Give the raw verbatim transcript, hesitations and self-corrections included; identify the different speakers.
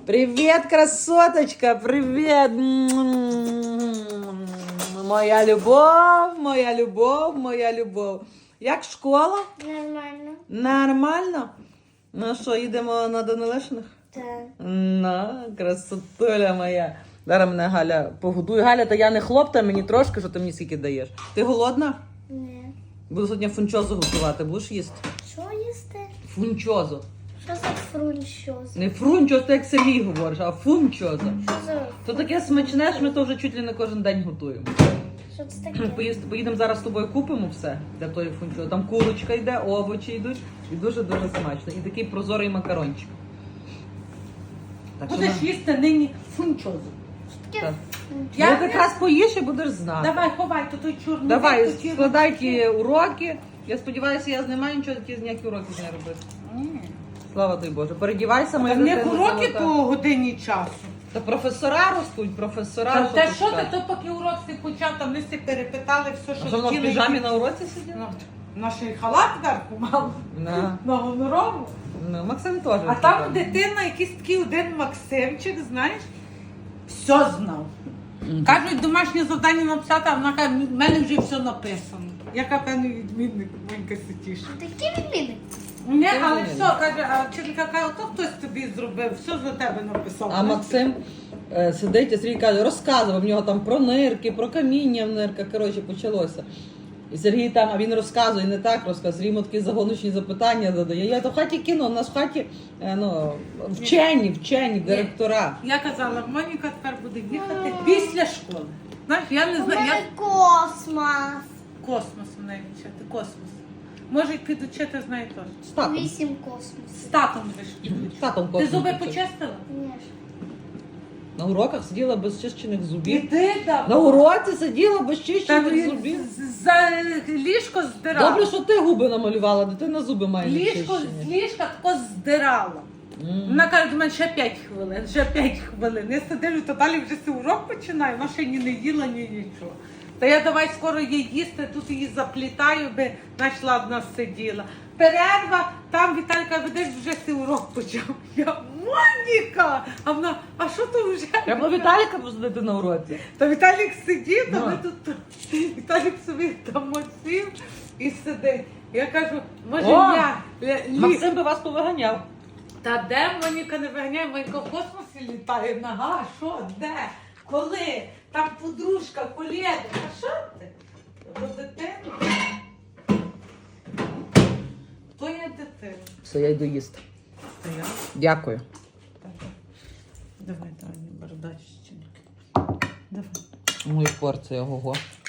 Speaker 1: Привіт, красоточка, привіт. Моя любов, моя любов, моя любов. Як школа?
Speaker 2: Нормально.
Speaker 1: Нормально? Ну що, їдемо на Данилишиних?
Speaker 2: Так.
Speaker 1: На, красотуля моя. Зараз мене Галя погодує. Галя, та я не хлоп, та мені трошки, що ти мені скільки даєш. Ти голодна?
Speaker 2: Ні.
Speaker 1: Буду сьогодні фунчозу готувати. Будеш їсти?
Speaker 2: Що їсти?
Speaker 1: Фунчозу.
Speaker 2: Що за фрунчоз?
Speaker 1: Не фрунчоз, ти як Сергій говориш, а фунчоза.
Speaker 2: Що за...
Speaker 1: То таке смачне, що ми то вже чуть ли не кожен день готуємо.
Speaker 2: Що це таке?
Speaker 1: Поїсти, поїдемо зараз з тобою, купимо все для тої фунчози. Там курочка йде, овочі йдуть і дуже-дуже смачно. І такий прозорий макарончик. Так що
Speaker 3: Будеш
Speaker 1: на-
Speaker 3: їсти нині фунчозу.
Speaker 2: Що таке?
Speaker 1: Так.
Speaker 3: Я
Speaker 1: Я якраз поїш і будеш знати.
Speaker 3: Давай, ховай, то той чорний.
Speaker 1: Давай,
Speaker 3: той ті
Speaker 1: складай
Speaker 3: руки.
Speaker 1: ті уроки. Я сподіваюся, я не маю нічого, ті ніякі уроки з нею робити.
Speaker 3: Ні.
Speaker 1: Слава тобі Боже. Передівайся, моя
Speaker 3: Та в них
Speaker 1: дитина
Speaker 3: уроки
Speaker 1: золота.
Speaker 3: по годині часу.
Speaker 1: Та професора ростуть, професора.
Speaker 3: Та
Speaker 1: що
Speaker 3: те
Speaker 1: ти
Speaker 3: що ти,
Speaker 1: скажеш?
Speaker 3: то поки урок ти почав, там ми всі перепитали все,
Speaker 1: А
Speaker 3: що
Speaker 1: що вона в
Speaker 3: хотіли.
Speaker 1: піжамі на уроці сиділа?
Speaker 3: Ну, Наш і халат зверху мав
Speaker 1: На.
Speaker 3: на гонорову.
Speaker 1: Ну, Максим теж.
Speaker 3: А там дитина, якийсь такий один Максимчик, знаєш, все знав.
Speaker 1: Мгм.
Speaker 3: Кажуть, домашнє завдання написати, а вона каже, в мене вже все написано. Яка певний відмінник, Монька Ситіша.
Speaker 2: Такі відміни.
Speaker 3: Ні,
Speaker 1: Ти
Speaker 3: але
Speaker 1: розумієш.
Speaker 3: все, каже, а вчителька каже, то хтось тобі зробив, все за тебе написав.
Speaker 1: А Максим е, сидить і Сергій каже, розказував в нього там про нирки, про каміння в нирках. Коротше, почалося. І Сергій там, а він розказує, не так розказує. Сергій йому такі загоночні запитання задає. Я то в хаті кіно, у нас в хаті е, ну, вчені, вчені, директора.
Speaker 3: Я казала, Моніка тепер буде їхати після школи. Знаєш, я не
Speaker 2: У
Speaker 3: знаю, я
Speaker 2: мене космос.
Speaker 3: космос в неї вчити, космос. Може, підучити з нею теж.
Speaker 1: З татом.
Speaker 2: Вісім
Speaker 3: З
Speaker 2: космосів.
Speaker 3: татом будеш
Speaker 1: З
Speaker 3: підучити.
Speaker 1: татом
Speaker 3: Ти
Speaker 1: космос
Speaker 3: зуби
Speaker 1: вчив.
Speaker 3: почистила?
Speaker 2: Ні.
Speaker 1: На уроках сиділа без чищених зубів.
Speaker 3: Іди там.
Speaker 1: На уроці сиділа без
Speaker 3: Та
Speaker 1: чищених зубів.
Speaker 3: з- за ліжко здирала.
Speaker 1: Добре, що ти губи намалювала, дитина зуби має не
Speaker 3: Ліжко з
Speaker 1: чищені.
Speaker 3: ліжка тако здирала.
Speaker 1: М.
Speaker 3: Вона каже, до мене ще п'ять хвилин, ще п'ять хвилин. Я сиділю, то далі вже цей урок починаю, вона ще ні не їла, ні нічого. Та я давай скоро їй їсти, тут її заплітаю, би знаєш, ладно сиділа. Перерва, там Віталька, видиш, вже цей урок почав. Я, Моніка! А вона, а що то вже?
Speaker 1: Треба Віталіка посадити на уроці.
Speaker 3: Та Віталік сидів, та
Speaker 1: Ну.
Speaker 3: ми тут, Віталік собі там сів і сидить. Я кажу, може
Speaker 1: О,
Speaker 3: я лі- лі-
Speaker 1: Максим би вас повиганяв.
Speaker 3: Та де Моніка не виганяє, Моніка в космосі літає. Нага, що, де? Коли? Там подружка, колега. А що ти? Про дитину? Хто є дитина?
Speaker 1: Все, я йду їсти.
Speaker 3: Та я.
Speaker 1: Дякую.
Speaker 3: Давай, давай, не бардачники. Давай.
Speaker 1: Мою порцію, ого.